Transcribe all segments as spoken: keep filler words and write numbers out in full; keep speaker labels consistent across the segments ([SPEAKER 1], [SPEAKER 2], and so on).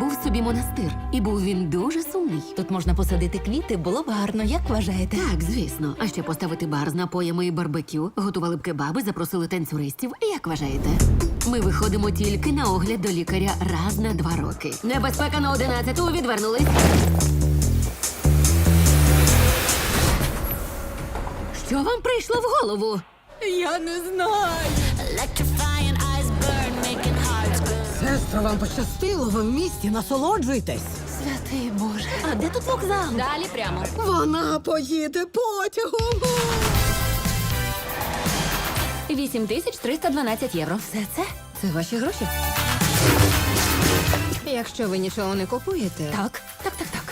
[SPEAKER 1] був собі монастир, і був він дуже сумний.
[SPEAKER 2] Тут можна посадити квіти, було б гарно, як вважаєте?
[SPEAKER 1] Так, звісно. А ще поставити бар з напоями і барбекю, готували б кебаби, запросили танцюристів. Як вважаєте? Ми виходимо тільки на огляд до лікаря раз на два роки. Небезпека на одинадцяту, відвернулись. Що вам прийшло в голову?
[SPEAKER 2] Я не знаю.
[SPEAKER 3] Сестро, вам пощастило, ви в місті, насолоджуйтесь.
[SPEAKER 2] Святий Боже. А де тут вокзал?
[SPEAKER 1] Далі прямо.
[SPEAKER 3] Вона поїде потягом.
[SPEAKER 1] вісім тисяч триста дванадцять євро.
[SPEAKER 2] Все це?
[SPEAKER 3] Це ваші гроші? Якщо ви нічого не купуєте,
[SPEAKER 2] Так, так, так, так.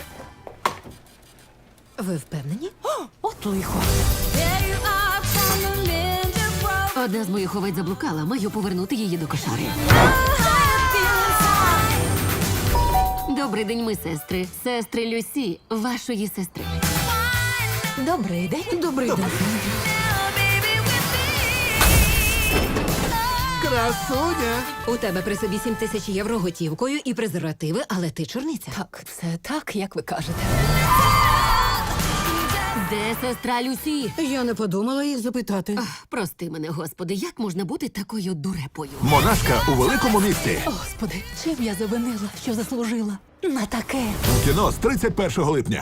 [SPEAKER 3] ви впевнені?
[SPEAKER 2] От лихо.
[SPEAKER 1] Одна з моїх овець заблукала, маю повернути її до кошари. Добрий день, ми сестри. Сестри Люсі, вашої сестри.
[SPEAKER 2] Добрий день.
[SPEAKER 3] Добрий день.
[SPEAKER 4] Красуня!
[SPEAKER 3] У тебе при собі сім тисяч євро готівкою і презервативи, але ти чорниця.
[SPEAKER 2] Так, все так, як ви кажете.
[SPEAKER 1] Де сестра Люсі?
[SPEAKER 3] Я не подумала їх запитати.
[SPEAKER 1] Ах, прости мене, господи, як можна бути такою дурепою?
[SPEAKER 4] Монашка у великому місті.
[SPEAKER 2] Господи, чим я завинила, що заслужила на таке?
[SPEAKER 4] У кіно з тридцять першого липня.